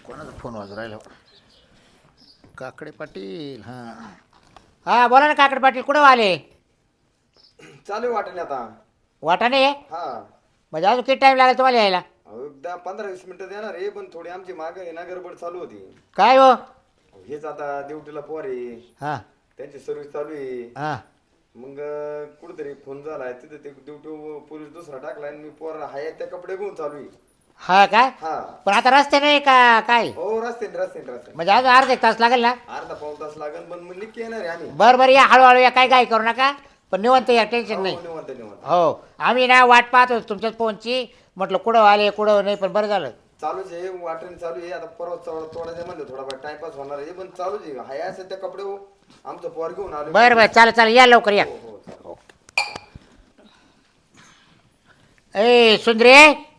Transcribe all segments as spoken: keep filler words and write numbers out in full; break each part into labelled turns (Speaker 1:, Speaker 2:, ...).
Speaker 1: कोणाचा फोन वाजू राहिला? काकडे पाटील. हा
Speaker 2: हा बोला ना काकड पाटील, कुठं आले?
Speaker 3: चालू आहे वाटेल आता.
Speaker 2: वाटाणे
Speaker 3: हा
Speaker 2: म्हणजे अजून किती टाइम लागेल तुम्हाला यायला?
Speaker 3: अहो, एकदा पंधरा वीस मिनिटं देणार आहे, पण थोडी आमची माग आहे ना गडबड चालू होती.
Speaker 2: काय हो?
Speaker 3: अहो, हेच आता ड्युटीला पोर आहे,
Speaker 2: हा
Speaker 3: त्यांची सर्व्हिस चालू आहे.
Speaker 2: हा
Speaker 3: मग कुठेतरी फोन झालाय तिथे ते ड्युटी पोलीस दुसरा टाकलाय आणि मी पोर हाय त्या कपडे घेऊन चालू आहे.
Speaker 2: हा काय?
Speaker 3: हा
Speaker 2: पण आता रस्ते नाही का काय?
Speaker 3: हो रस्ते रस्ते रस्ते
Speaker 2: म्हणजे अजून अर्धा एक तास लागेल ना?
Speaker 3: अर्धा पाऊण तास लागेल, पण मग निक्की येणार आहे आम्ही.
Speaker 2: बरं बरं या, हळूहळू या, काय काय करू नका, पण निवंत या, टेन्शन नाही.
Speaker 3: हो, निवांत निवांत.
Speaker 2: हो आम्ही ना वाट पाहत होतो तुमच्याच फोनची, म्हटलं कुठं आले कुठं नाही, पण बरं झालं.
Speaker 3: चालूच आहे वाटण चालू आहे. आता परत तोडायचं म्हणलं थोडाफार टाइमपास होणार आहे, पण चालूच आहे. हाय असं त्या कपडे हो, आमचं पोर घेऊन आलो.
Speaker 2: बरं बरं चालेल चालेल, या लवकर या.
Speaker 3: हो हो चालेल.
Speaker 2: ए सुंदरे,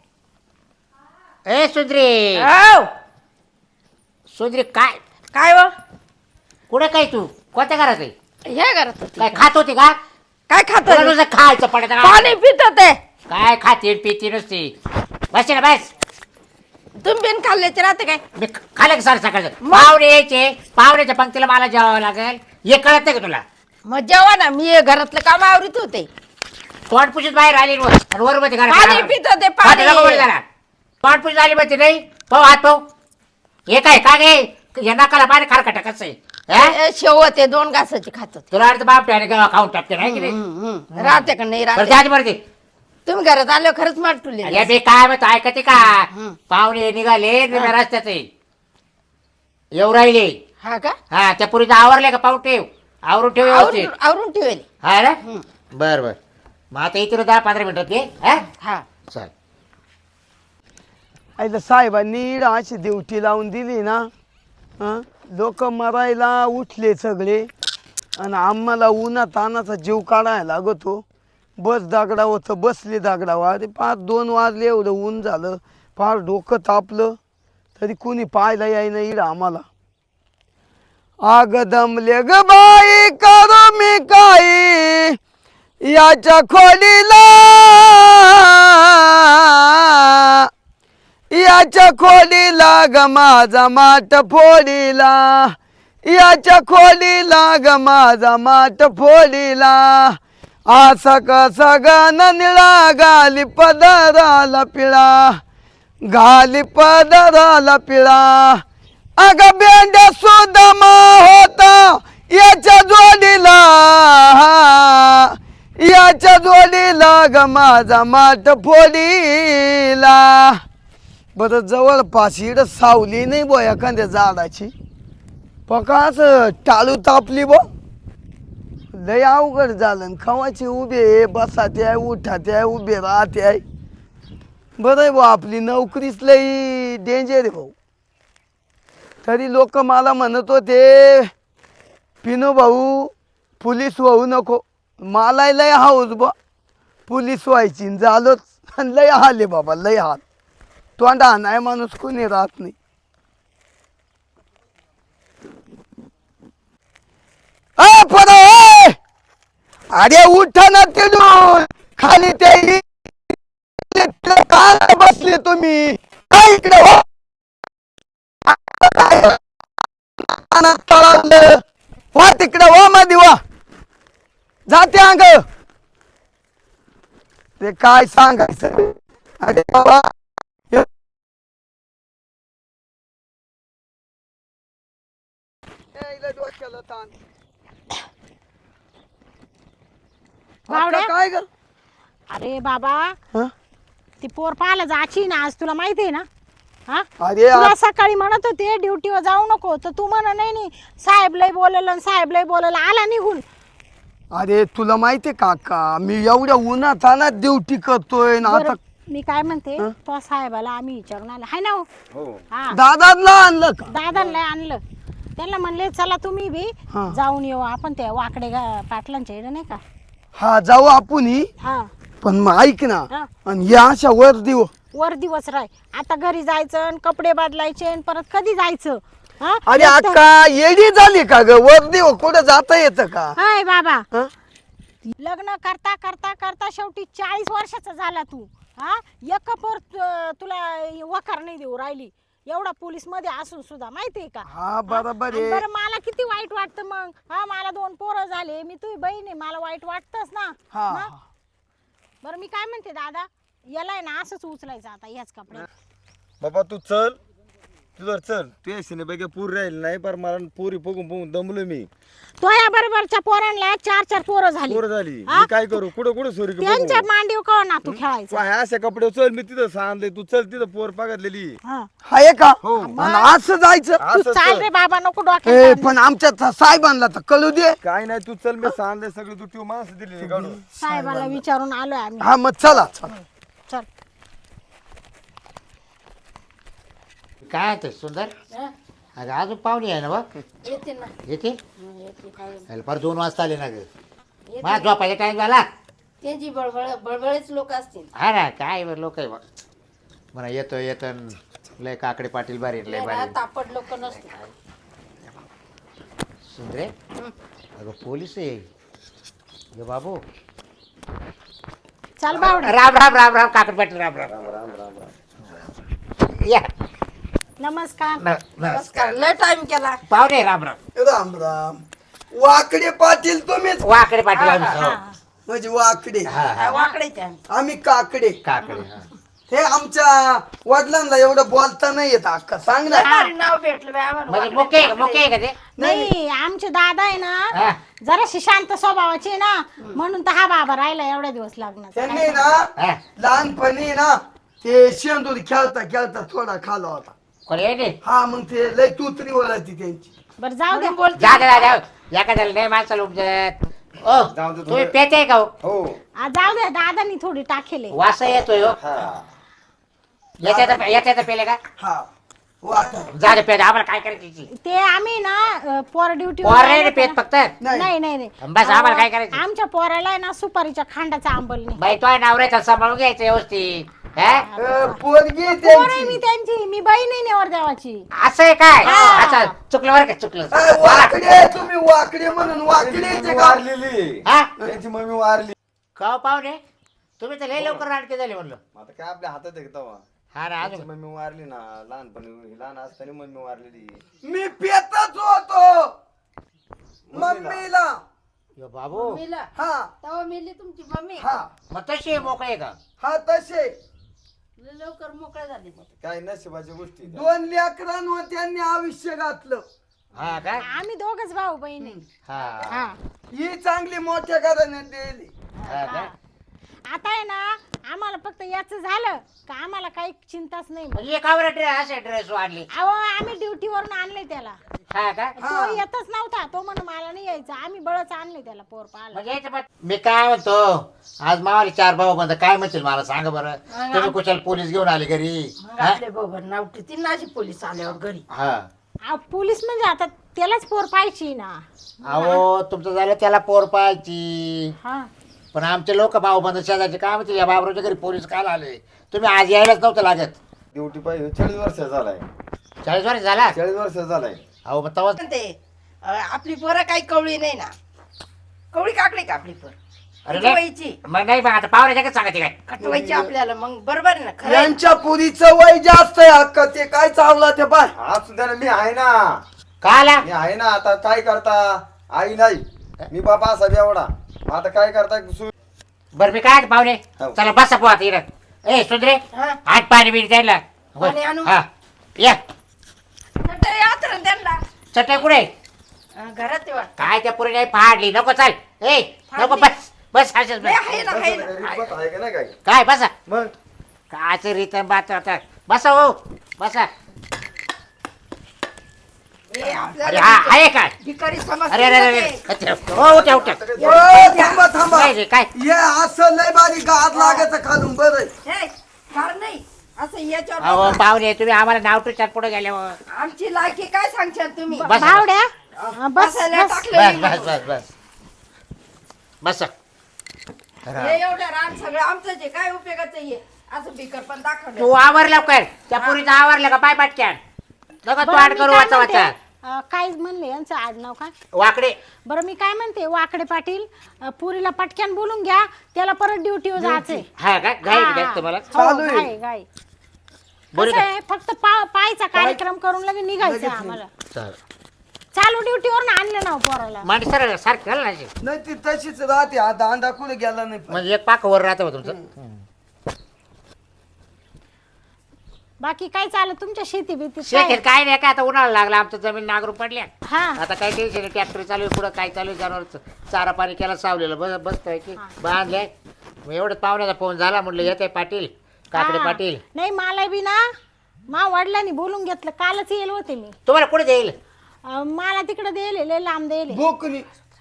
Speaker 2: ए सुंदरे,
Speaker 4: औ
Speaker 2: सुंदरे काय
Speaker 4: काय व
Speaker 2: कुठे काय तू कोणत्या घरात आहे?
Speaker 4: हे करत होती.
Speaker 2: काय खात होती का?
Speaker 4: काय खात
Speaker 2: तुला
Speaker 4: होती?
Speaker 2: नुसतं खायचं पडत
Speaker 4: पाणी पित होते.
Speaker 2: काय खाते पिती नुसती? बस ना बस.
Speaker 4: तुम्ही बिन खाल्ल्याचे राहते काय?
Speaker 2: मी खाल्लं का सर सकाळचं? पाहुणे यायचे, पाहुण्याच्या पंक्तीला मला जेवावं लागेल, हे कळत नाही का तुला?
Speaker 4: मग जेव्हा ना मी हे घरातलं काम आवरीत होते.
Speaker 2: तोंड पुशीत बाहेर आली वर आणि वर मध्ये
Speaker 4: पाणी पित होते, पाणी.
Speaker 2: तोंड पुशीत आली मध्ये नाही पाहू हात पाहू. हे काय का गे या नाकाला पाणी खारकटा कसं आहे? हा?
Speaker 4: ए, शेव होते दोन घासाचे खात होते.
Speaker 2: तुला वाटतं बाप आणि गावा खाऊन टाकते नाही की नाही?
Speaker 4: हम्म, हम्म. राहते का नाही
Speaker 2: बरं
Speaker 4: राहते?
Speaker 2: जाते बरं ते.
Speaker 4: तुम्ही घरात आले खरंच माटुले.
Speaker 2: अरे बे काय म्हणतो ऐकते का?
Speaker 4: हं.
Speaker 2: पाहुणे निघाले निम्या रस्त्याचे येऊ राहिले.
Speaker 4: हा का?
Speaker 2: हा त्या पुरीचं आवरले का? पाहू ठेव, आवरून ठेव व्यवस्थित.
Speaker 4: आवरून आवरून ठेवले.
Speaker 2: हा ना
Speaker 4: हं.
Speaker 2: बर बर. मग आता इथे दहा पंधरा मिनिटात ये. हा
Speaker 4: हा
Speaker 2: चल.
Speaker 5: आईला साहेबांनी अशी ड्युटी लावून दिली ना, लोक मरायला उठले सगळे आणि आम्हाला उन्हा तानाचा जीव काढायला लागतो. बस दागडा होतं, बसले दागडावर. अरे पाच दोन वाजले, एवढं ऊन झालं, फार डोकं तापलं, तरी कुणी पाहायला यायना इड आम्हाला. आग दमले ग बाई करू मी काही याच्या खोलीला, याच्या खोलीला ग माझा माठ फोडीला, याच्या खोलीला ग माझा माठ फोडीला. असा कसा गान निळा गाली पदराला पिळा, गाली पदराला पिळा. अग बेंड्या सुदामा होता याच्या जोडीला, याच्या जोडीला ग माझा माठ फोडीला. बरं जवळपास इड सावली नाही बो एखाद्या झाडाची, पकाच टाळू तापली बो. लय अवघड झालं. खवाचे उभे बसाते आहे, उठाते आहे, उभे राहते आहे. बरं आहे भाऊ, आपली नोकरीच लई डेंजर आहे भाऊ. तरी लोक मला म्हणत होते पिनू भाऊ पोलीस होऊ नको. मला लय हाऊस बा पोलीस व्हायची, झालोच. लय हाल आहे बाबा, लय हाल. तोंडा नाही माणूस कोणी राहत नाही. अ पर अरे उठा ना तिथून खाली, ते काय बसले तुम्ही? काय इकडे हो तळावलं वा तिकडे वा मध्ये वा जाते अंग. ते काय सांगायचं? अरे बाबा डोक्याला ताण.
Speaker 6: बावड्या?
Speaker 5: आता काय ग?
Speaker 6: अरे बाबा,
Speaker 5: हं?
Speaker 6: ती पोर पाहायला जायची ना आज, तुला माहिती आहे ना? हा
Speaker 5: अरे
Speaker 6: तुला
Speaker 5: आ-
Speaker 6: सकाळी म्हणत होते ड्युटीवर जाऊ नको, तर तू म्हणा नाही नाही साहेब लय बोललं, साहेब लय बोललं, आला निघून.
Speaker 5: अरे तुला माहितीये काका, मी एवढ्या उन्हात आणत ड्युटी करतोय ना.
Speaker 6: बरं,
Speaker 5: आता
Speaker 6: मी काय म्हणते,
Speaker 5: हं?
Speaker 6: तो साहेबाला आम्ही विचारून आलो हाय ना हो?
Speaker 3: हो
Speaker 6: हा
Speaker 5: दादाला आणलं का?
Speaker 6: दादाला आणलं. त्यांना म्हणले चला तुम्ही बी
Speaker 5: हा.
Speaker 6: जाऊन येऊ आपण त्या वाकडे गा- पाटलांच्या इकडे नाही का.
Speaker 5: हा जाऊ आपण ही.
Speaker 6: हा
Speaker 5: पण मग ऐक ना,
Speaker 6: हा.
Speaker 5: आणि या अशा वर देऊ
Speaker 6: वर दिवस राय, आता घरी जायचं आणि कपडे बदलायचे आणि परत कधी जायचं? हा
Speaker 5: अरे
Speaker 6: एक तर-
Speaker 5: अक्का येडी झाली का ग? वर देऊ कुठं जाता येतं का?
Speaker 6: हाय बाबा,
Speaker 5: हं?
Speaker 6: लग्न करता करता करता शेवटी चाळीस वर्षाचा झाला तू. हा एक पोर तु- तुला वकार नाही देऊ राहिली. एवढा पोलीस मध्ये असून सुद्धा माहितीये का
Speaker 5: हा बरोबर
Speaker 6: आणि
Speaker 5: आहे
Speaker 6: बरं मला किती वाईट वाटतं मग हा मला दोन पोरं झाले मी तुझी बहीण आहे मला वाईट वाटतंच ना
Speaker 5: हा
Speaker 6: मग? बरं मी काय म्हणते दादा याला आहे ना असंच उचलायचं आता याच कपडे
Speaker 3: बाबा तू चल तुझं चल तू यायचे पैकी पूर राहील नाही पर मला पुरी बघून बघून दमलो मी
Speaker 6: तो या बरोबरच्या पोरांना चार चार पोरं झाली
Speaker 3: पूर झाली
Speaker 6: हा?
Speaker 3: मी काय करू कुठं कुठं सोरी
Speaker 6: त्यांच्या मांडीव का ना तू खेळायचा
Speaker 3: काय अशा कपडे चल मी तिथं सांगले तू चल तिथं पोर पागतलेली
Speaker 6: हा.
Speaker 5: आहे का
Speaker 3: हो.
Speaker 5: आणि असं जायचं
Speaker 6: तू
Speaker 3: असं
Speaker 6: चाल
Speaker 3: चल.
Speaker 6: रे बाबा नको
Speaker 5: ए
Speaker 6: डोक्यात
Speaker 5: पण आमच्या था- साहेबांना तर कळू दे
Speaker 3: काय नाही तू चल मी सांगले सगळी तू ठेव माणसं दिली काढून
Speaker 6: साहेबाला विचारून आलोय आम्ही
Speaker 5: हा मग चला चला
Speaker 6: चल
Speaker 2: काय आहे ते सुंदर अगं अजून पाहुणे आहे ना बघ
Speaker 4: येते ना
Speaker 2: येते
Speaker 4: येते काय
Speaker 2: अरे फार दोन वाजता आले ना ग मला झोपायचा टाइम झाला
Speaker 4: त्यांची बळबळ बळबळेच लोक असतील
Speaker 2: हा ना काय लोक आहे बघ म्हणा येतो येतो न लय काकडे पाटील बारी लय बारी
Speaker 4: तापड लोक नसते
Speaker 2: सुंदरे अगं पोलीस आहे ग बाबू
Speaker 6: चल बावडे
Speaker 2: राम राम राम राम काकड पाटील राम राम
Speaker 3: राम राम राम
Speaker 2: या
Speaker 6: नमस्कार
Speaker 2: न- न-
Speaker 4: नमस्कार लय टाइम केला
Speaker 2: पाहुणे राम राम
Speaker 5: राम राम वाकडे पाटील तुम्हीच
Speaker 2: वाकडे पाटील आम्ही हो.
Speaker 5: म्हणजे वाकडे
Speaker 2: हा, हा.
Speaker 4: वाकडेच्या
Speaker 5: आम्ही काकडे
Speaker 2: काकडे हा.
Speaker 5: हे आमच्या वडिलांना एवढं बोलता नाही येत अक्का सांग ना
Speaker 4: भारी नाव भेटलं बाई आम्हाला.
Speaker 2: म्हणजे मुके मुके आहे का ते
Speaker 6: नाही आमचे दादा आहे
Speaker 2: हा.
Speaker 6: ना जराशी शांत स्वभावाचे आहे ना म्हणून तर हा बाबा राहिला एवढ्या दिवस लग्नाचा
Speaker 5: त्यांनी ना
Speaker 2: हा.
Speaker 5: लहानपणी ना ते शेंदूर खेळता खेळता थोडा खाला होता
Speaker 2: कोणी आहे ते?
Speaker 5: हा मग ते लय तुतरी ओळखती त्यांची
Speaker 6: बरं जाऊ द्या
Speaker 2: जा जा जा या का झालं नाही माणसाला उपजत ओ
Speaker 3: जाऊ दे
Speaker 2: तुम्ही
Speaker 3: थोडं.
Speaker 2: पेते का हो?
Speaker 3: हो
Speaker 6: आ, जाऊ द्या दादानी थोडी टाकेले
Speaker 2: वास येतोय हो
Speaker 3: हा
Speaker 2: याच्यात याच्यात पेले का
Speaker 5: हा वाटा
Speaker 2: जा रे पेट आम्हाला काय करायची
Speaker 6: ते आम्ही ना अ, पोर ड्युटी
Speaker 2: पोर रे पेट फक्त
Speaker 5: नाही
Speaker 6: नाही नाही नाही
Speaker 2: बस आम्हाला काय करायचं
Speaker 6: आमच्या पोराला आहे ना सुपारीच्या खांडाचा आंबल नाही
Speaker 2: बाई तो नवऱ्याचा सांभाळून घ्यायचं व्यवस्थित हा?
Speaker 5: अ, पोरगी
Speaker 6: पोर आहे
Speaker 5: त्यांची
Speaker 6: मी त्यांची मी बहीण आहे नेवर देवाची
Speaker 2: असं आहे काय अच्छा चुकलं बरं का चुकलं
Speaker 5: अ, वाकडे तुम्ही वाकडे म्हणून वाकडे
Speaker 3: त्यांची
Speaker 5: ते
Speaker 3: मम्मी
Speaker 5: का
Speaker 3: वारलेली
Speaker 2: हा
Speaker 3: त्यांची मम्मी वारली
Speaker 2: का हो पाहुणे तुम्ही तर लय लवकर नाटके झाले म्हणलं
Speaker 3: आता काय आपल्या हातात आहे का तेव्हा
Speaker 2: हा ना
Speaker 3: त्यांची
Speaker 2: अजून
Speaker 3: मम्मी वारली ना लहानपणी लहान असताना मम्मी वारलेली
Speaker 5: मी पेतच होतो मम्मीला
Speaker 2: यो बाबू
Speaker 4: मेला
Speaker 5: हा
Speaker 4: तेव्हा मेली तुमची मम्मी
Speaker 5: हा
Speaker 2: मग तशी मोकळे आहे का
Speaker 5: हा तसे
Speaker 4: लय लवकर मोकळे झाले
Speaker 3: काय नशिबाच्या गोष्टी आहेत.
Speaker 5: दोन लेकरांवर त्यांनी आयुष्य घातलं
Speaker 2: हा काय
Speaker 6: आम्ही दोघच भाऊ बहीण आहे.
Speaker 2: हा
Speaker 6: हा
Speaker 5: ही चांगली मोठ्या घराने दिली
Speaker 2: हा का?
Speaker 6: आता आहे ना आम्हाला फक्त याच झालं का आम्हाला काही चिंताच नाही मग.
Speaker 2: म्हणजे एकावर ड्रेस असे ड्रेस वाढले
Speaker 6: अहो आम्ही ड्युटीवरून आणले त्याला
Speaker 2: हा का
Speaker 6: तो येतच नव्हता तो म्हण मला नाही यायचं आम्ही बळच आणले त्याला पोर पाहायला
Speaker 2: म्हणजे याच्या पाठ- मी काय म्हणतो आज मावाले चार भाऊ बंद काय म्हणतील मला सांगा बरं तुम्ही कुशाल पोलीस घेऊन आले घरी
Speaker 4: मग
Speaker 2: हा?
Speaker 4: आपले बाबा नाव ती नाशी पोलीस आल्यावर घरी
Speaker 2: हा
Speaker 6: अहो, पोलीस म्हणजे आता त्यालाच पोर पाहिजे ना
Speaker 2: अहो तुमचं झालं त्याला पोर पाहायची
Speaker 6: हा
Speaker 2: पण आमचे लोक भाऊ बंद शेजारचे काय म्हणतील या बाबराच्या घरी पोलीस काल आले तुम्ही आज यायलाच नव्हतं लागत
Speaker 3: ड्युटी पाहिजे चाळीस वर्ष झालाय
Speaker 2: चाळीस वर्ष झाला
Speaker 3: चाळीस वर्ष झालाय
Speaker 2: अहो मग तवा
Speaker 4: ते अ, आपली पोरं काही कवळी नाही ना कवळी काकडी का आपली पोर
Speaker 2: अरे नाही.
Speaker 4: कटवायची
Speaker 2: मग नाही मग आता पाहुण्याच्या काय सांगायचे काय
Speaker 4: कटवायची आपल्याला मग बरोबर आहे ना खरं आहे.
Speaker 5: यांच्या पुरीचं वय जास्त आहे अक्का ते काय चावला ते पाय
Speaker 3: आज सुद्धा मी आहे ना
Speaker 2: का आला
Speaker 3: मी आहे ना आता काय करता आई नाही मी बाबा असा एवढा आता काय करता सु-
Speaker 2: बरं मी काय पाहुणे
Speaker 3: हो.
Speaker 2: चला बसा पोहा इकडं ए सुंदरे
Speaker 4: हा.
Speaker 2: आठ पाणी बिणी द्यायला
Speaker 4: पाणी आणू?
Speaker 2: हा या
Speaker 4: चटई आतरण त्यांना
Speaker 2: चटई कुठे
Speaker 4: अ, घरात तेव्हा
Speaker 2: काय त्या पुरी नाही फाडली नको चाल ए नको बस बस असेच
Speaker 4: नाही,
Speaker 2: बस
Speaker 4: आहे ना आहे ना
Speaker 3: रिश्वत आहे का नाही काय
Speaker 2: काय बसा
Speaker 3: मग
Speaker 2: कायच रीत बात आता बसा हो बसा
Speaker 4: हे
Speaker 2: अरे
Speaker 4: आपल्याला
Speaker 2: हा आहे काय
Speaker 4: भिकारी समजते
Speaker 2: अरे अरे
Speaker 4: ना
Speaker 2: अरे
Speaker 4: ते.
Speaker 2: अरे. हो उठ्या उठ्या
Speaker 5: ओ, थांबा थांबा
Speaker 2: काय रे काय
Speaker 5: ये असं लय बारी गाद लागायचं खालून बरं
Speaker 4: हे, फार नाही असं याच्यावर
Speaker 2: अहो
Speaker 4: बसा.
Speaker 2: पाहुणे तुम्ही आम्हाला नाव टुचात पुढे गेल्यावर
Speaker 4: आमची लायकी काय सांगशाल तुम्ही
Speaker 2: बस.
Speaker 6: भावड्या हा, बस
Speaker 4: बसायला
Speaker 6: बस.
Speaker 4: टाकलेली
Speaker 2: बस बस
Speaker 4: म्हणून.
Speaker 2: बस बस बस
Speaker 4: हे एवढं रान सगळं आमचंच आहे काय उपयोगाचं आहे असं भिकर पण दाखवलं
Speaker 2: तू आवरला काय त्या पुरीचं आवरलं का पाय पाटक्यान नका तू
Speaker 6: बरं,
Speaker 2: आड
Speaker 6: मी
Speaker 2: करू
Speaker 6: काय
Speaker 2: वाचा
Speaker 6: म्हणते,
Speaker 2: वाचा
Speaker 6: अ, काय म्हणले यांचं आडनाव काय
Speaker 2: वाकडे
Speaker 6: बरं मी काय म्हणते वाकडे पाटील अ, पुरीला पटक्यान बोलून घ्या त्याला परत ड्युटीवर जायचंय
Speaker 2: हा का घाई जास्त मला
Speaker 5: चालू आहे.
Speaker 6: गाय गाय
Speaker 2: बोल
Speaker 6: कसं आहे फक्त पा पायचा कार्यक्रम करून लगे निघायचं
Speaker 5: लगेच
Speaker 6: आम्हाला
Speaker 2: चल
Speaker 6: चालू ड्युटीवर आणलं ना हो पोराला
Speaker 2: मांडी सर सारखं घाल ना अशी.
Speaker 5: नाही ती तशीच राहते आता अंडा कुठे गेला नाही
Speaker 2: म्हणजे एक पाक वर राहतं बा तुमचं.
Speaker 6: बाकी काय चाललं तुमच्या शेती बीती
Speaker 2: शेतीत काय नाही काय आता उन्हाळा लागला आमचं जमीन नागरू पडल्या
Speaker 6: हा
Speaker 2: आता काय टेन्शन नाही ट्रॅक्टर चालू आहे पुढं काय चालू आहे जनावर चारा पाणी केला सावलेलं बस बसतोय की बांधले मग एवढं पाहुण्याचा फोन झाला म्हटलं येत आहे पाटील काकडे
Speaker 6: हा.
Speaker 2: पाटील
Speaker 6: नाही मला बी ना मा वडिलांनी बोलून घेतलं कालच येईल होते मी
Speaker 2: तुम्हाला कुठे देईल
Speaker 6: अं, मला तिकडे देले लय लांब देले
Speaker 5: बोकनी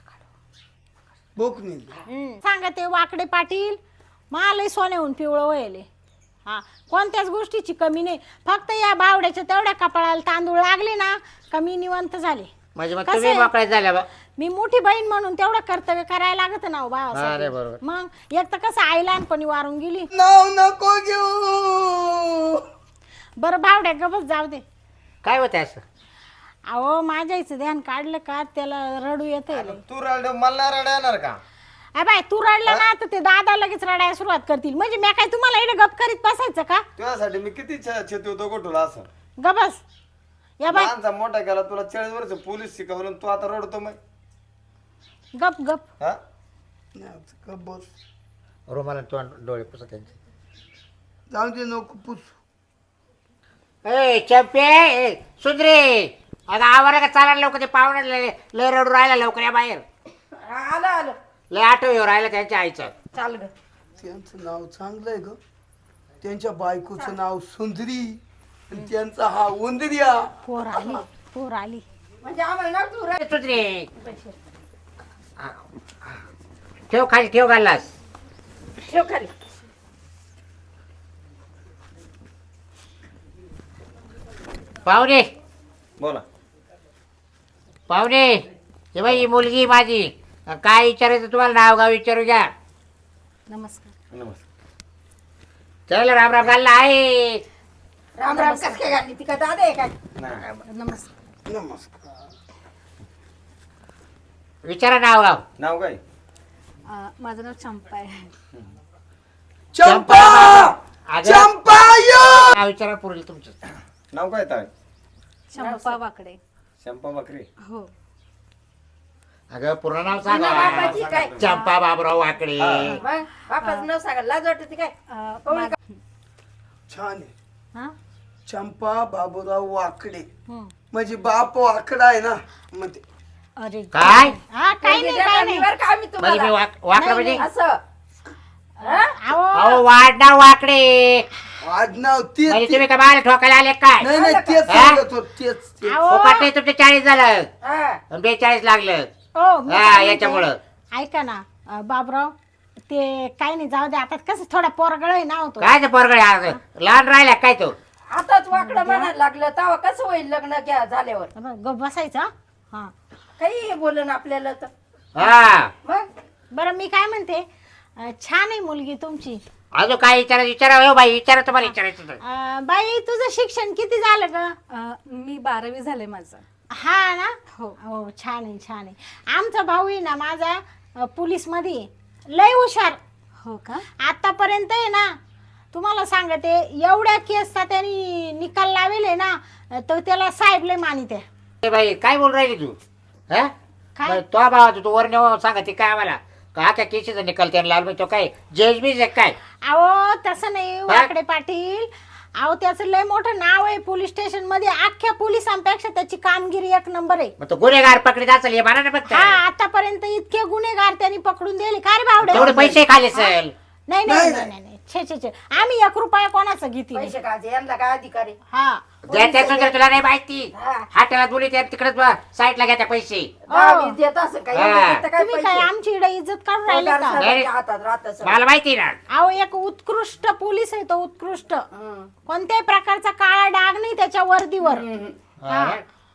Speaker 5: बोकनी
Speaker 6: सांगा ते वाकडे पाटील मला सोन्याहून पिवळं वयले हा कोणत्याच गोष्टीची कमी नाही फक्त या बावड्याच्या तेवढ्या कपाळाला तांदूळ लागले ना कमी निवंत झाले
Speaker 2: म्हणजे मग
Speaker 6: कसं
Speaker 2: तुम्ही
Speaker 6: आहे?
Speaker 2: मोकळ्यात झाल्या बा
Speaker 6: मी मोठी बहीण म्हणून तेवढं कर्तव्य करायला लागत ना हो
Speaker 2: अरे
Speaker 6: भावासाठी
Speaker 2: बरोबर.
Speaker 6: मग एक तर कसं आई लहानपणी वारून गेली
Speaker 5: नाव नको घेऊ
Speaker 6: बरं बावड्या गबस जाऊ दे
Speaker 2: काय होतं असं
Speaker 6: अहो माझ्या आईचं ध्यान काढलं का त्याला रडू येते
Speaker 3: तू रड मला रड येणार का
Speaker 6: बाय तू रडला ना तर ते दादा लगेच रडायला सुरुवात करतील म्हणजे मी काय तुम्हाला इकडे गप करीत बसायचं का
Speaker 3: तुझ्यासाठी मी किती छेती होतो गोठूला असं
Speaker 6: गबस या बाय
Speaker 3: लहानचा मोठा केला तुला चाळीस वर्ष पोलीस शिकवलं आणि तू आता रडतो मग
Speaker 6: गप गप
Speaker 3: हा
Speaker 5: नाही, बस
Speaker 2: रुमाला तोंड डोळे पुसत त्यांचे
Speaker 5: जाऊ दे नको पुस
Speaker 2: ए चंपे ए, सुंदरे अगं आवारा का चालायला लवकर ते पाहुणे लय लय रडू राहिला लवकर या बाहेर
Speaker 4: आलं आलं
Speaker 2: लय आठव राहिला त्यांच्या आईचं
Speaker 4: चाल ग
Speaker 5: त्यांचं नाव चांगलं आहे ग त्यांच्या बायकोचं नाव सुंदरी आणि त्यांचा हा उंदरिया
Speaker 6: पोर आली पोर आली
Speaker 4: म्हणजे आम्हाला ना तू
Speaker 2: ए, सुंदरे ठेव खाली ठेव घाललास
Speaker 4: ठेव खाली
Speaker 2: पाहुणे
Speaker 3: बोला
Speaker 2: पाहुणे हे बाई ही मुलगी माझी अन काय विचारायचं तुम्हाला नाव गाव विचारू घ्या
Speaker 6: नमस्कार
Speaker 3: नमस्कार
Speaker 2: चल राम राम घालला आहे
Speaker 4: राम राम कस काय घातली ती का दादा आहे काय
Speaker 3: नाही
Speaker 6: नमस्कार
Speaker 5: नमस्कार
Speaker 2: विचारा नाव गाव
Speaker 3: नाव काय
Speaker 6: माझं नाव चंपा आहे
Speaker 5: चंपा
Speaker 2: अगं,
Speaker 5: चंपा यो
Speaker 2: नाव विचारा पुरेल तुमचं
Speaker 3: नाव काय ताय
Speaker 6: चंपा वाकडे
Speaker 3: शंपा बकरे
Speaker 6: हो
Speaker 2: अगं पूर्ण नाव
Speaker 4: तुला बापाची
Speaker 2: सांगा
Speaker 4: काय
Speaker 2: चंपा बाबराव वाकडे
Speaker 4: मग बापाचं नाव सांगा लाज वाटते काय पवळी का?
Speaker 5: छान आहे
Speaker 6: हा
Speaker 5: चंपा बाबूराव वाकडे
Speaker 6: हं.
Speaker 5: म्हणजे बाप वाकडा आहे ना मग ते
Speaker 6: अरे
Speaker 2: काय
Speaker 6: हा काही नाही काही नाही
Speaker 4: बरं का आम्ही
Speaker 2: म्हणजे
Speaker 4: तुम्हाला
Speaker 2: मी वाक- वाकडं म्हणजे
Speaker 4: असं
Speaker 6: अहो
Speaker 2: अहो वाढणार वाकडे
Speaker 5: आडनाव तेच
Speaker 2: म्हणजे
Speaker 5: ते-
Speaker 2: तुम्ही का बाहेर ठोकायला आले काय
Speaker 5: नाही नाही तेच
Speaker 2: हा?
Speaker 5: सांगत होत तेच तेच.
Speaker 6: अहो
Speaker 2: फुकट नाही तुमचे चाळीस झालं
Speaker 4: हा
Speaker 2: अन बेचाळीस लागलं
Speaker 6: ओ, मी
Speaker 2: हा,
Speaker 6: काय म्हणते,
Speaker 2: याच्यामुळं.
Speaker 6: ऐका ना अं, बाबराव ते काही नाही जाऊ दे आता कसं थोडा पोरगळ आहे ना होतो
Speaker 2: काय ते पोरगडे आज लहान राहिला काय तो
Speaker 4: आताच वाकडं म्हणायला लागलं तेव्हा कसं होईल लग्न घ्या झाल्यावर
Speaker 6: गप बसायचं हा
Speaker 4: काही बोलन आपल्याला तर
Speaker 2: हा
Speaker 4: मग
Speaker 6: बरं मी काय म्हणते अं, छान आहे मुलगी तुमची
Speaker 2: अजून काय विचारा विचारा हो बाई विचारा तुम्हाला विचारायचं होतं.
Speaker 6: अं, बाई तुझं शिक्षण किती झालं ग
Speaker 7: अ, मी बारावी झाले माझं
Speaker 6: हा ना हो हो छान आहे छान आहे आमचा भाऊ आहे ना माझा अं, पोलीसमध्ये लय हुशार
Speaker 7: हो का
Speaker 6: आतापर्यंत आहे ना तुम्हाला सांगते एवढ्या केसचा त्यांनी निकाल लावेले ना तर त्याला साहेब लय मानित आहे
Speaker 2: ए बाई काय बोल राहिली तू हा
Speaker 6: काय?
Speaker 2: बाई, तो भावा तू वर नेऊ सांगा ती काय आम्हाला का त्या केशीचा निकाल त्याला लाल तो काय जज बीज आहे काय
Speaker 6: अहो तसं नाही वाकडे पाटील अहो त्याचं लय मोठं नाव आहे पोलीस स्टेशन मध्ये अख्ख्या पोलिसांपेक्षा त्याची कामगिरी एक नंबर आहे
Speaker 2: मग तो गुन्हेगार पकडीत असेल हे म्हणा ना फक्त
Speaker 6: हा आतापर्यंत इतके गुन्हेगार त्यांनी पकडून दिले का रे बावडे
Speaker 2: तेवढे पैसे खाले असेल
Speaker 6: नाही नाही नाही नाही नाही. छे छे छे आम्ही एक रुपया कोणाचं घेतली
Speaker 4: पैसे काढते यांना काय अधिकारी
Speaker 6: हा
Speaker 2: द्या त्या सुंदर तुला नाही माहिती
Speaker 4: हा.
Speaker 2: हाटेला बोली त्या तिकडेच साईडला घ्या त्या पैसे
Speaker 4: दहा वीस देत असं काय
Speaker 2: हा.
Speaker 4: एवढे देतं काय
Speaker 6: तुम्ही काय
Speaker 4: पैसे?
Speaker 6: आमची इकडे इज्जत काढून राहिले
Speaker 4: पगार
Speaker 6: का
Speaker 4: साहेबांच्या हातात राहत असं.
Speaker 2: मला माहिती ना
Speaker 6: अहो एक उत्कृष्ट पोलीस आहे तो उत्कृष्ट
Speaker 4: हं.
Speaker 6: कोणत्याही प्रकारचा काळा डाग नाही त्याच्या वर्दीवर हा.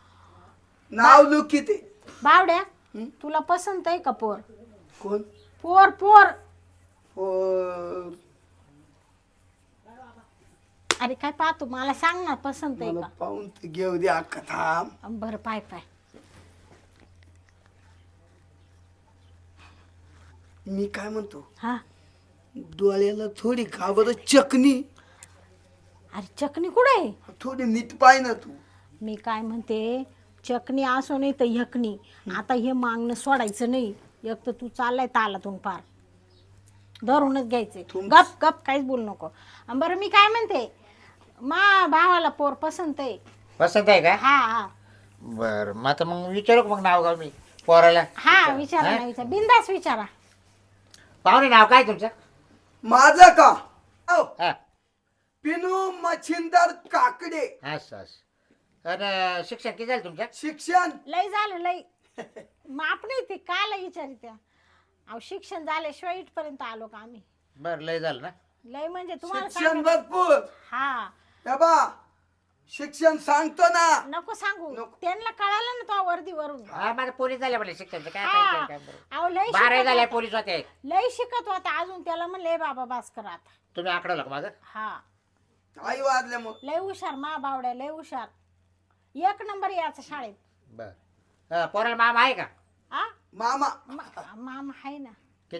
Speaker 5: नाव लू किती
Speaker 6: बावड्या तुला पसंत आहे का पोर
Speaker 5: कोण
Speaker 6: पोर पोर
Speaker 5: पोर.
Speaker 6: अरे काय पाहतो मला सांग ना पसंत आहे
Speaker 5: मला पाहून ते घेऊ दे अख्खा थांब
Speaker 6: का बरं पाय पाय
Speaker 5: मी काय म्हणतो
Speaker 6: हा
Speaker 5: डोळ्याला थोडी का बरं चकनी
Speaker 6: अरे चकणी कुठे आहे?
Speaker 5: थोडी नीट पाय ना तू.
Speaker 6: मी काय म्हणते, चकणी असो नाही तर यकणी, आता हे मागणं सोडायचं नाही. एक तर तू चाललाय तालातून पार, धरूनच घ्यायचे. गप गप काहीच बोलू नको. अन बरं मी काय म्हणते, मा भावाला पोर पसंत आहे.
Speaker 2: पसंत आहे का?
Speaker 6: हा हा
Speaker 2: बरं मग आता मग विचारू का मग नाव गाव मी पोराला?
Speaker 6: हा विचारा ना, विचार बिंदास विचारा.
Speaker 2: पाहुणे नाव काय तुमचं?
Speaker 5: माझं का? औ,
Speaker 2: हा
Speaker 5: पिनू मच्छिंदर काकडे.
Speaker 2: असं असं. आणि शिक्षण किती झालं तुमचं?
Speaker 5: शिक्षण
Speaker 6: लय झालं लय. माप नाही ते काला विचारित्या. अहो शिक्षण झाल्याशिवाय इथपर्यंत आलो का आम्ही?
Speaker 2: बरं लय झालं ना.
Speaker 6: लय म्हणजे तुम्हाला
Speaker 5: शिक्षण
Speaker 6: सांगा-
Speaker 5: भरपूर.
Speaker 6: हा
Speaker 5: हे बा शिक्षण सांगतो ना.
Speaker 6: नको सांगू, त्यांना कळालं ना तो वर्दी वरून.
Speaker 2: हा माझं पोलीस झाल्या म्हणले शिक्षणचं काय
Speaker 6: हा.
Speaker 2: काय काय बरं.
Speaker 6: अहो लय
Speaker 2: बारावी
Speaker 6: शिकत
Speaker 2: झाल्या
Speaker 6: होता.
Speaker 2: पोलीस होते.
Speaker 6: लय शिकत होता अजून. त्याला म्हणले बाबा भास्कर आता.
Speaker 2: तुम्ही आकडवलं का माझं?
Speaker 6: हा
Speaker 5: आई वाजल्या मग.
Speaker 6: लय हुशार मा बावड्या, लय हुशार. एक नंबर याचा शाळेत.
Speaker 2: बरं पोराला मामा आहे का?
Speaker 6: आ
Speaker 5: मामा
Speaker 6: मा- मामा आहे ना.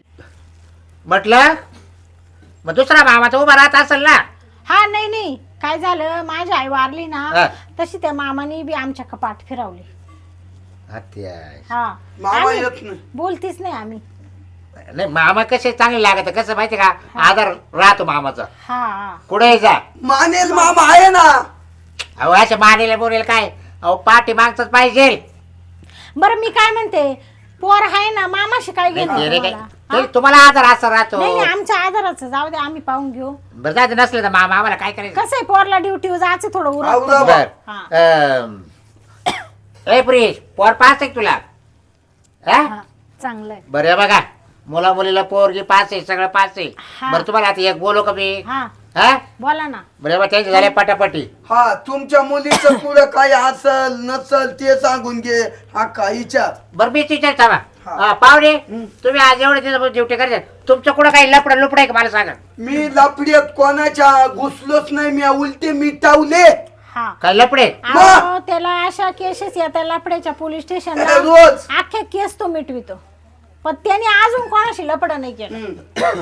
Speaker 2: म्हटलं मग दुसरा मामा तर उभा राहत असेल ना.
Speaker 6: हा नाही नाही काय झालं, माझी आई वारली ना
Speaker 2: हा.
Speaker 6: तशी त्या मामाने बी आमच्या कपाट फिरवली.
Speaker 2: हत्या.
Speaker 6: हा
Speaker 5: मामा
Speaker 6: आम्ही
Speaker 5: येत नाही.
Speaker 6: बोलतीच नाही आम्ही.
Speaker 2: नाही मामा कसे चांगले लागत कसं माहिती का, आधार राहतो मामाचा
Speaker 6: हा हा
Speaker 2: कुठे जा.
Speaker 5: मानेल मामा आहे ना.
Speaker 2: अहो अशा मानेला बोलेल काय, अहो पाठी मागच पाहिजे.
Speaker 6: बरं मी काय म्हणते, पोर आहे ना मामाशी काय घेणं
Speaker 2: नाही, ते काय-
Speaker 6: तुम्हाला?
Speaker 2: ते तुम्हाला आधार असा राहतो.
Speaker 6: नाही नाही आमच्या आधाराचं जाऊ दे, आम्ही पाहून घेऊ.
Speaker 2: बरं जायचं नसलं तर मामा आम्हाला काय करायचं?
Speaker 6: कसं आहे पोरला ड्युटीवर जायचं थोडं उरकतं.
Speaker 5: आवरा.
Speaker 2: बर
Speaker 6: हा.
Speaker 2: अं, ए प्रियेश पोर पास आहे का तुला? हा?
Speaker 7: हा चांगलं आहे.
Speaker 2: बरं हे बघा मुला मुलीला पोरगी पास आहे, सगळं पास आहे.
Speaker 6: हा.
Speaker 2: बरं तुम्हाला आता एक बोलू का मी?
Speaker 6: हा
Speaker 2: हा
Speaker 6: बोला ना.
Speaker 2: बरं बा त्यांचे झाले पटापटी.
Speaker 5: हा तुमच्या मुलीचं पुढं काय असल नसल ते सांगून घे. हा काहीच्या
Speaker 2: बरं मीच विचारता बा
Speaker 5: हा.
Speaker 2: हा, पाहुणे तुम्ही आज एवढे दिवस ड्युटी करायचं, तुमचं कुठं काही लपडं लुपड आहे का मला सांगा?
Speaker 5: मी लपड्यात कोणाच्या घुसलोच नाही. मी उलटे मिटावले
Speaker 6: हा
Speaker 2: काय लपडे?
Speaker 6: अहो, त्याला अशा केसेस येतात लपड्याच्या पोलीस स्टेशनला.
Speaker 5: रोज.
Speaker 6: अख्ख्या केस तो मिटवितो, पण त्याने अजून कोणाशी लपड नाही केलं.
Speaker 5: हम्म.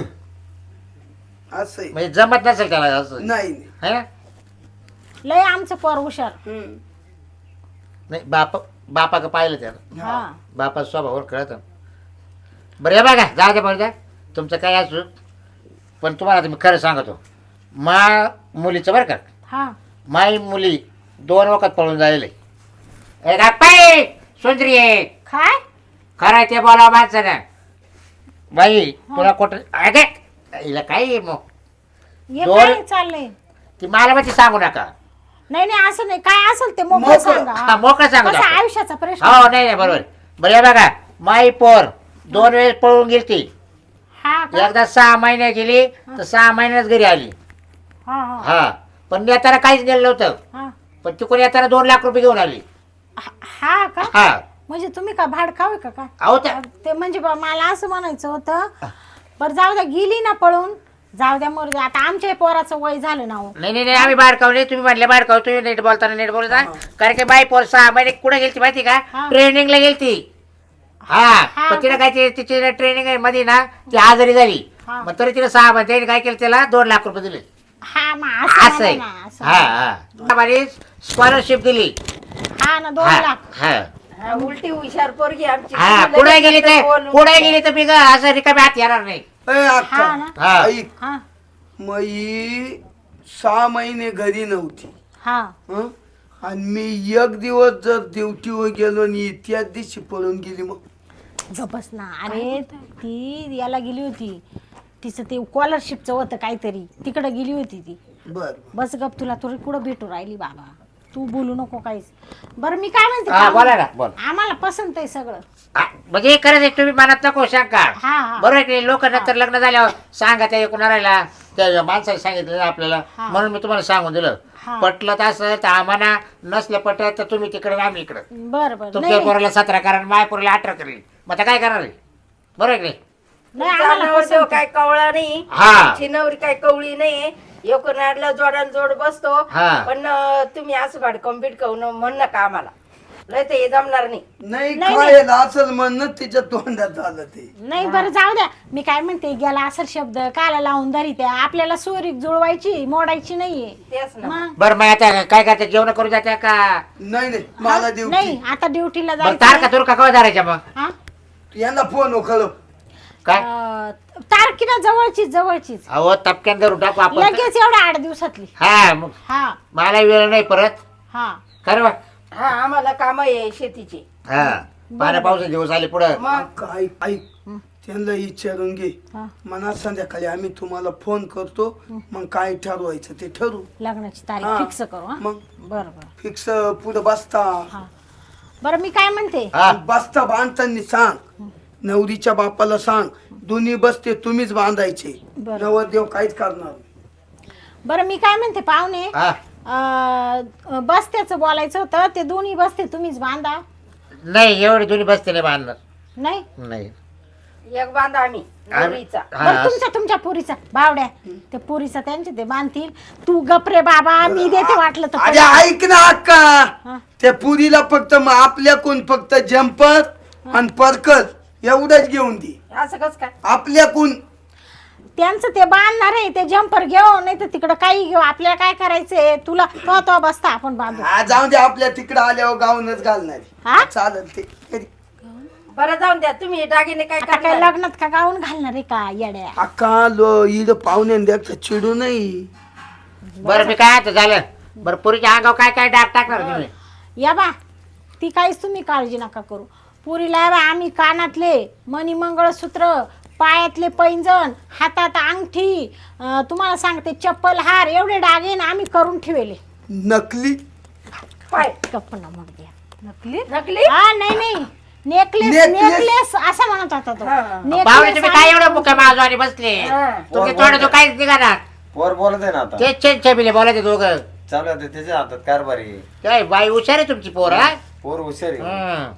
Speaker 5: असं आहे.
Speaker 2: म्हणजे जमत नसेल त्याला असं
Speaker 5: नाही नाही.
Speaker 2: है ना?
Speaker 6: लय आमचं पोर हुशार.
Speaker 5: हम्म.
Speaker 2: नाही बाप बापा का पाहिलं त्याला,
Speaker 6: हा
Speaker 2: बापा स्वभावावर कळत. बरं हे बघा जा दे बरं तुमचं काय असू, पण तुम्हाला आता मी खरं सांगतो. मा मुलीचं बरं का,
Speaker 6: हा
Speaker 2: माई मुली दोन वखत पळून झालेले. ए गापाई सुंदरी आहे
Speaker 6: काय
Speaker 2: खरं ते बोलावं माणसानं. बाई तुला कुठं अगे हिला काय मग
Speaker 6: हे
Speaker 2: दोन-
Speaker 6: काय चाललंय?
Speaker 2: ती मला माहिती सांगू नका.
Speaker 6: नाही नाही असं नाही, काय असेल ते मोकळं
Speaker 5: मोकळं.
Speaker 6: सांगा.
Speaker 2: हा, मोकळं सांगू
Speaker 6: कसं
Speaker 2: नका.
Speaker 6: आयुष्याचा प्रश्न.
Speaker 2: हो नाही नाही बरोबर. बरं हे बघा माई पोर दोन वेळेस पळून गेली ती.
Speaker 6: हा का?
Speaker 2: एकदा सहा महिने गेली तर सहा महिन्याच घरी आली.
Speaker 6: हा हा
Speaker 2: हा पण नेताना काहीच नेलं नव्हतं,
Speaker 6: हा
Speaker 2: पण तिकडून येताना दोन लाख रुपये घेऊन आली.
Speaker 6: हा का?
Speaker 2: हा
Speaker 6: म्हणजे तुम्ही का भाडकाव आहे का काय?
Speaker 2: अहो त्या
Speaker 6: ते म्हणजे बा मला असं म्हणायचं होतं, बरं जाऊ द्या गेली ना पळून, जाऊ द्या मरू द्या. आता आमच्या पोराचं वय झालं ना हो.
Speaker 2: नाही नाही नाही आम्ही बाहेर काव नाही, तुम्ही म्हणले बाहेर काव, तुम्ही नीट बोलताना नीट बोलता. कारण की बाई पोर सहा महिने कुठे गेलती माहिती का?
Speaker 6: हा.
Speaker 2: ट्रेनिंगला गेलती. हा
Speaker 6: हा
Speaker 2: पण तिला
Speaker 6: का?
Speaker 2: काय तिची ट्रेनिंग मध्ये ना ती आजारी झाली.
Speaker 6: हा.
Speaker 2: मग तरी तिला सहा महिने काय केलं त्याला दोन लाख रुपये दिले.
Speaker 6: हा मग असं
Speaker 2: असं आहे.
Speaker 6: म्हणा ना, असं
Speaker 2: हा
Speaker 6: म्हणा.
Speaker 2: हा स्कॉलरशिप दिली.
Speaker 6: हा ना दोन
Speaker 2: हा
Speaker 6: लाख.
Speaker 2: हा
Speaker 4: हा, उलटी हुशार पोरगी आमची.
Speaker 2: हा
Speaker 4: तिला
Speaker 2: कुठे
Speaker 4: लगेच
Speaker 2: गेली तर
Speaker 4: बोलून
Speaker 2: कुठे गेली तर बिग असं रिकामी हात येणार नाही.
Speaker 5: ए,
Speaker 6: हा
Speaker 5: अक्का
Speaker 6: ना.
Speaker 2: हा.
Speaker 5: ऐक
Speaker 6: हा
Speaker 5: मई सहा महिने घरी नव्हती.
Speaker 6: हा
Speaker 5: हं? आणि मी एक दिवस जर ड्युटीवर गेलो आणि त्याच दिवशी पळून गेली मग
Speaker 6: गपस ना. अरे ती याला गेली होती, तिचं ते स्कॉलरशिपचं होतं काहीतरी, तिकडं गेली होती ती.
Speaker 5: बर
Speaker 6: बस गप, तुला तुला कुठं भेटू राहिली बाबा, तू बोलू नको काहीच. बरं मी काय म्हणते,
Speaker 2: हा बोला ना बोल.
Speaker 6: आम्हाला पसंत आहे सगळं.
Speaker 2: हा, म्हणजे खरंच आहे, तुम्ही मनात नको शंका.
Speaker 6: हा हा
Speaker 2: बरोबर की लोक नंतर लग्न झाल्यावर सांगा त्या एकूण राहिला त्या माणसाने सांगितलं आपल्याला,
Speaker 6: हा.
Speaker 2: म्हणून मी तुम्हाला सांगून दिलं.
Speaker 6: हा.
Speaker 2: पटलं तर असं तर आम्हाला नसलं पटत तर तुम्ही तिकडे आम्ही इकडं.
Speaker 6: बरं बरं.
Speaker 2: तुमच्या
Speaker 6: नाही
Speaker 2: पोराला सतरा कारण माय पोराला अठरा करेल, मग आता काय करणार आहे? बरोबर आहे की नाही?
Speaker 6: नाही,
Speaker 4: तुमचा
Speaker 6: आम्हाला
Speaker 4: नवरदेव
Speaker 6: पसंत आहे.
Speaker 4: काय कवळा नाही,
Speaker 2: हा.
Speaker 4: आमची नवरी काय कवळी नाही. एकूण जोडाला जोड बसतो.
Speaker 2: हा.
Speaker 4: पण अं, तुम्ही असं भाडकं बिडकवून म्हण नका आम्हाला. नाही तर हे जमणार नाही.
Speaker 5: नाही
Speaker 6: नाही,
Speaker 5: खायला असेल म्हणून तिच्या तोंडात आलं ते.
Speaker 6: नाही बरं जाऊ द्या. मी काय म्हणते गेला असेल शब्द काला लावून धरी त्या आपल्याला सोरी जुळवायची मोडायची नाहीये.
Speaker 4: तेच ना.
Speaker 6: मग
Speaker 2: बरं मग आता काय करते जेवण करू जाते का
Speaker 5: नाही नाही मला देऊ
Speaker 6: नाही आता ड्युटीला
Speaker 2: बरं
Speaker 6: जायचं
Speaker 2: तारखा तुरका कवा धरायच्या मग
Speaker 6: हा?
Speaker 5: यांना फोन उखळ.
Speaker 2: काय
Speaker 6: अं, तारखेला जवळचीच जवळचीच
Speaker 2: अहो तपक्यान धरून टाकू आपण
Speaker 6: लगेच एवढ्या आठ दिवसातली.
Speaker 2: हा मग
Speaker 6: हा
Speaker 2: मला वेळ नाही परत
Speaker 6: हा
Speaker 2: खरं बा
Speaker 4: हा आम्हाला काम आहे शेतीची.
Speaker 2: हा पाण्या पावसाचे दिवस आले पुढं
Speaker 4: मग
Speaker 5: काय ऐक त्यांना विचारून घे.
Speaker 6: हा.
Speaker 5: म्हणा संध्याकाळी आम्ही तुम्हाला फोन करतो मग काय ठरवायचं ते ठरू.
Speaker 6: लग्नाची
Speaker 5: हा.
Speaker 6: तारीख फिक्स करू हा
Speaker 5: मग
Speaker 6: बरं बरं
Speaker 5: फिक्स पुढे बसता
Speaker 6: हा बरं मी काय म्हणते
Speaker 2: हा
Speaker 5: बसता बांधताना सांग नवरीच्या बापाला सांग दोन्ही बसते तुम्हीच बांधायचे.
Speaker 6: बरं.
Speaker 5: नवरदेव काहीच करणार नाही.
Speaker 6: बरं मी काय म्हणते पाहुणे
Speaker 2: हा
Speaker 6: अं, बस्त्याचं बोलायचं होतं ते दोन्ही बसते तुम्हीच बांधा.
Speaker 2: नाही एवढे दोन्ही बसते नाही बांधणार
Speaker 6: नाही
Speaker 2: नाही
Speaker 4: एक बांधा आम्ही
Speaker 2: आम्ही-
Speaker 4: नवरीचा.
Speaker 2: हा,
Speaker 6: बरं तुमच्या तुमच्या पुरीचा बावड्या ते पुरीचा त्यांचे ते बांधतील तू गपरे बाबा मी देते वाटलं तर
Speaker 5: अरे ऐक ना अक्का
Speaker 6: हा.
Speaker 5: त्या पुरीला फक्त मग आपल्याकडून फक्त जम्पर आणि पर्कल एवढंच घेऊन दे.
Speaker 4: असं कस काय?
Speaker 5: आपल्याकडून
Speaker 6: त्यांचं ते बांधणार आहे ते जम्पर घेऊ नाही तर तिकडं काही घेऊ आपल्याला काय करायचंय तुला तो तो बसता आपण बांधू
Speaker 5: हा, जाऊन दे आपल्या तिकडं आल्यावर गाऊनच घालणार.
Speaker 6: हा
Speaker 5: चालेल ते करी.
Speaker 4: बरं जाऊन द्या तुम्ही हे दागिने काय
Speaker 6: आता काय
Speaker 4: करणार?
Speaker 6: लग्नात का गाऊन घालणार आहे का येड्या
Speaker 5: अक्का लो इड पाहुणे द्या चिडू नाही.
Speaker 2: बरं मी काय आता झालं बरं पुरीच्या अंगावर काय काय डाग टाकणार तुम्ही
Speaker 6: या बा ती काहीच तुम्ही काळजी नका करू पुरीला या बा आम्ही कानातले मणी मंगळसूत्र पायातले पैंजण हातात अंगठी अं, तुम्हाला सांगते चप्पल हार एवढे डागे ना आम्ही करून ठेवले.
Speaker 5: नकली
Speaker 4: पाय
Speaker 6: गप्पा मग द्या
Speaker 7: नकली
Speaker 4: नकली.
Speaker 6: हा नाही नाही नेकलेस
Speaker 5: Necklace.
Speaker 6: नेकलेस असं म्हणत होता तो
Speaker 4: हा.
Speaker 2: पाहुणे तुम्ही काय एवढं मुख्य माजवानी बसले
Speaker 4: हा.
Speaker 2: तुमचे थोडं तो काहीच निघाणार
Speaker 3: पोर बोलत आहे ना आता
Speaker 2: तेच चेन छबिले बोलायचे दोघं
Speaker 3: चालू आहे त्याच्या हातात कारभारी.
Speaker 2: काय बाई हुशार आहे तुमची पोर हा
Speaker 3: पोर हुशार आहे.
Speaker 2: हं.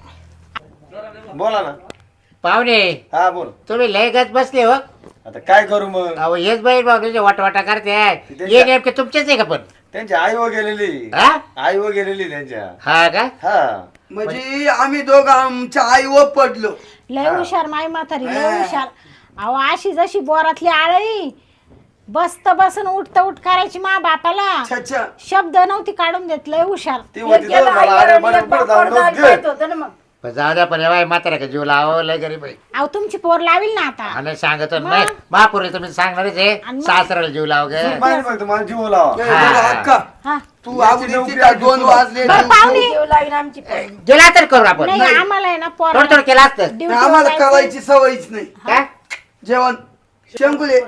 Speaker 3: बोला ना.
Speaker 2: पाहुणे
Speaker 3: हा बोल.
Speaker 2: तुम्ही लय गच बसले हो
Speaker 3: आता काय करू मग
Speaker 2: अहो हेच बाई भाऊ तुझे वाटवाटा करते
Speaker 3: त्यांच्या-
Speaker 2: ये नेमके तुमचेच आहे का पण
Speaker 3: त्यांची आई व गेलेली
Speaker 2: हा
Speaker 3: आई व गेलेली त्यांच्या.
Speaker 2: हा का
Speaker 3: हा
Speaker 5: म्हणजे आम्ही दोघं आमच्या आईवर पडलो.
Speaker 6: लय हुशार माई म्हातारी लय हुशार अहो अशी जशी बोरातली आळी बसत बसन उठत उठ करायची मा बापाला
Speaker 5: छच्छा
Speaker 6: शब्द नव्हती काढून देत लय हुशार
Speaker 3: ती
Speaker 4: एक
Speaker 3: होती
Speaker 4: गेलं
Speaker 3: तर मला
Speaker 4: आईवर
Speaker 3: अरे
Speaker 4: आणि
Speaker 3: बरं
Speaker 4: एक
Speaker 3: बरं
Speaker 4: बापावर
Speaker 3: जाऊन
Speaker 4: जायला
Speaker 3: दे.
Speaker 4: पाहिजे होतं ना मग.
Speaker 2: पण जाऊ द्या पण बाई म्हातारा का जीव लावा लय गरीब आहे
Speaker 6: अहो तुमची पोर लावील ना आता
Speaker 2: आणि सांगत नाही महापुरे तुम्ही सांगणारच आहे
Speaker 6: आणि मग?
Speaker 2: सासऱ्याला जीव लाव गे
Speaker 3: माहिती बघ तुम्हाला जीव लावा.
Speaker 5: ए, बरं, अक्का
Speaker 6: हा
Speaker 5: तू आवडीची का दोन वाजले
Speaker 6: बरं,
Speaker 5: तू-
Speaker 6: पाहुणे.
Speaker 4: जीव लावीन आमची पोर.
Speaker 2: गेला तर करू आपण
Speaker 6: नाही आम्हाला आहे ना पोर
Speaker 2: थोडं थोडं केलं असतं
Speaker 5: आम्हाला करायची सवयच नाही.
Speaker 2: काय
Speaker 5: जेवण शंकुले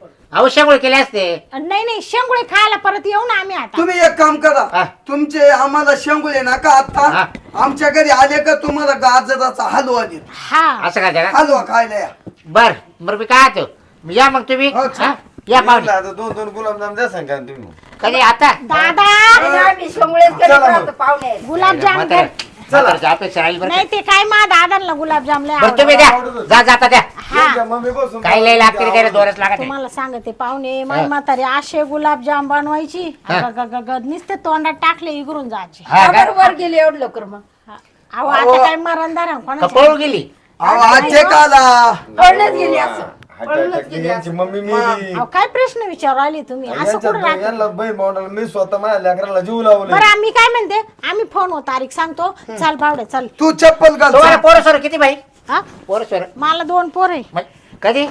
Speaker 2: अवश्य केले असते
Speaker 6: नाही नाही शेंगुळे खायला परत येऊ ना आम्ही आता
Speaker 5: तुम्ही एक काम
Speaker 2: हा.
Speaker 5: करा तुमचे आम्हाला शेंगुळे नका
Speaker 2: हा.
Speaker 5: आता आमच्या घरी आले का तुम्हाला गाजराचा हलवा दे.
Speaker 6: हा
Speaker 2: असं काय का
Speaker 5: हलवा खायला या.
Speaker 2: बर बरं मी काय होतो मी या मग तुम्ही
Speaker 5: हो,
Speaker 2: हा? या पाहुणे
Speaker 3: आता दोन दोन गुलाबजाम द्या सांगा तुम्ही.
Speaker 2: कधी आता
Speaker 6: दादा
Speaker 4: आणि आम्ही शेंगुळेच करीत
Speaker 3: चला मग.
Speaker 4: राहतो पाहुणे.
Speaker 6: गुलाबजाम
Speaker 2: म्हातारा-
Speaker 6: कर.
Speaker 2: म्हाताराची अपेक्षा राहील बरं
Speaker 6: नाही ते काय मा दादांना गुलाबजाम लय
Speaker 2: बरं तुम्ही
Speaker 6: आवडतं.
Speaker 2: द्या जा जाता द्या
Speaker 3: त्यांच्या मम्मी बसून
Speaker 2: काही लय लागते काही दोरच लागत नाही.
Speaker 6: तुम्हाला सांगते पाहुणे माई म्हातारी असे गुलाबजाम बनवायची
Speaker 2: हा.
Speaker 6: ग- ग- ग- ग- नुसते तोंडात टाकले इगरून जायचे
Speaker 2: हा का?
Speaker 4: वर गेली एवढं लवकर मग.
Speaker 6: हा. अहो आता काय मरणदार आहे
Speaker 2: का
Speaker 6: कोणाच्या
Speaker 2: पळून गेली
Speaker 5: अहो, आजचे काला
Speaker 4: पळूनच गेली असं.
Speaker 3: हात
Speaker 4: पळूनच
Speaker 3: अटॅक
Speaker 4: गेली
Speaker 3: यांची
Speaker 4: असं.
Speaker 3: मम्मी मेली.
Speaker 6: अहो काय प्रश्न विचारू आले तुम्ही असं
Speaker 3: यांच्यात
Speaker 6: कुठं राहत
Speaker 3: यांना बहीण भावंडाला मी स्वतः माझ्या लेकराला जीव लावले.
Speaker 6: बरं आम्ही काय म्हणते आम्ही फोन वर तारीख सांगतो चाल बावडे चल
Speaker 5: तू चप्पल घाल
Speaker 2: तुम्हाला पोरं सोर किती बाई
Speaker 6: हा
Speaker 2: पोरं सोर
Speaker 6: मला दोन पोर आहे
Speaker 2: मग कधी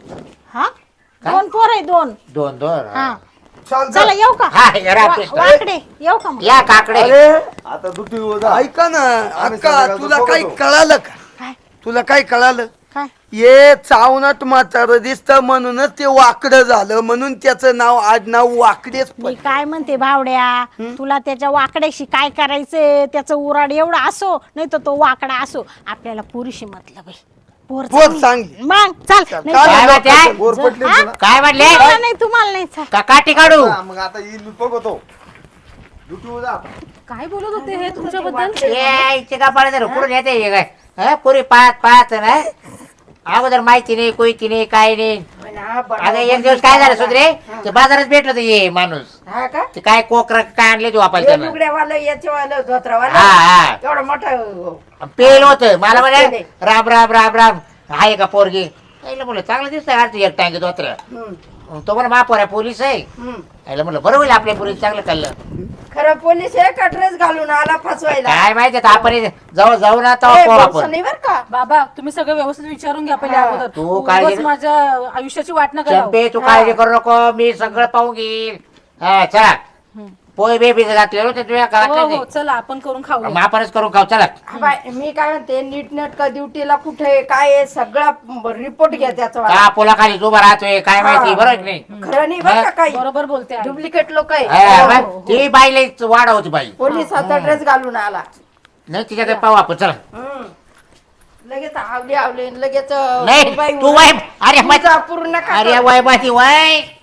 Speaker 6: हा दोन पोर आहे दोन
Speaker 2: दोन दोन
Speaker 6: हा
Speaker 5: चाल
Speaker 6: चला येऊ का
Speaker 2: हा या
Speaker 6: वा-
Speaker 2: रात्रीच.
Speaker 6: वाकडे येऊ का मग
Speaker 2: या काकडे
Speaker 5: अरे
Speaker 3: आता दुटी जा.
Speaker 5: ऐका ना
Speaker 3: आम्ही
Speaker 5: अक्का
Speaker 3: संध्याकाळचं
Speaker 5: तुला काही
Speaker 3: बघतो.
Speaker 5: कळालं का
Speaker 6: काय
Speaker 5: तुला काही कळालं
Speaker 6: काय
Speaker 5: ये चावनात म्हातारं दिसतं म्हणूनच ते वाकडं झालं म्हणून त्याचं नाव आडनाव वाकडेच
Speaker 6: मी
Speaker 5: पडलं.
Speaker 6: काय म्हणते भावड्या तुला त्याच्या वाकड्याशी काय करायचंय त्याचं उराड एवढा असो नाही तर तो वाकडा असो आपल्याला पुरीशी मतलब आहे पोर
Speaker 5: पोर
Speaker 6: चांगली.
Speaker 5: चांगली.
Speaker 6: मग चाल नाही
Speaker 5: काय
Speaker 6: तर-
Speaker 2: काय
Speaker 5: म्हणते?
Speaker 2: म्हणते?
Speaker 3: वर पटली
Speaker 6: हा?
Speaker 3: ना.
Speaker 2: काय म्हटले
Speaker 6: तुम्हाला नाही तुम्हाला नाही चाल.
Speaker 2: का काठी काढू
Speaker 3: हा, मग आता येईल बघतो दुटी जा.
Speaker 7: काय बोलत होते हे तुमच्याबद्दल
Speaker 2: ये इथे का पडायचं कुठून येते हे काय हा पुरी पाहत पाहत ना अगोदर माहिती नाही कोयती नाही काय नाही
Speaker 4: ना बरं.
Speaker 2: अगं एक दिवस काय झालं सुधरे ते बाजारात भेटलं ते ये माणूस
Speaker 4: हा का
Speaker 2: ते काय कोकरा काय आणले ते वापायला
Speaker 4: हे
Speaker 2: त्यानं.
Speaker 4: लुगड्यावालं याच्यावालं धोत्रावालं
Speaker 2: हा हा
Speaker 4: एवढं मोठं
Speaker 2: पेल होत मला म्हणे
Speaker 4: पेल.
Speaker 2: राम राम राम राम आहे का पोरगी यायला म्हणलं चांगलं दिसतंय अर्थ एक टांगे दोत्र्या
Speaker 4: हम्म,
Speaker 2: तो म्हणा महापौर आहे पोलीस आहे
Speaker 4: हम्म.
Speaker 2: यायला म्हणलं बरं होईल आपल्या पोलीस चांगलं कळलं
Speaker 4: खरं पोलीस आहे का ड्रेस घालून आला फसवायला
Speaker 2: काय माहिती आता आपण जाऊ जाऊ ना
Speaker 4: ए,
Speaker 2: तेव्हा पाहू
Speaker 4: बोलसं
Speaker 2: आपण
Speaker 4: नाही बरं का
Speaker 7: बाबा तुम्ही सगळं व्यवस्थित विचारून घ्या पहिले
Speaker 4: हा.
Speaker 7: अगोदर
Speaker 2: तू काळजी
Speaker 7: उगाच
Speaker 2: नाही-
Speaker 7: माझ्या आयुष्याची वाट नका लावू.
Speaker 2: चंपे तू काळजी करू नको मी सगळं पाहून घेईल हा चला पोय बेबी घातलेलो ते तुझ्या
Speaker 7: हो हो
Speaker 2: घरात
Speaker 7: चला आपण करून खाऊ
Speaker 2: मग आपणच करून खाऊ चला
Speaker 4: हा बाय, मी काय म्हणते नीट नेटका ड्युटीला कुठे आहे, काय आहे, सगळा रिपोर्ट घ्या त्याचा
Speaker 2: का पोलाखाली उभा राहतोय काय माहिती बरोबर की नाही
Speaker 4: खरं नाही बरं का काही
Speaker 7: बरोबर बोलते आई.
Speaker 4: डुप्लिकेट लोक आहे
Speaker 2: हा, मग ती बाईला वाढ होती बाई
Speaker 4: पोलिसाचा ड्रेस घालून आला
Speaker 2: नाही तिच्याकडे पाहू आपण चला
Speaker 4: हम्म. लगेच आवली आवली लगेच
Speaker 2: नाही
Speaker 4: बाई
Speaker 2: तू वाय अरे
Speaker 4: तुमचा पूर्ण का
Speaker 2: अरे वाय माती वाय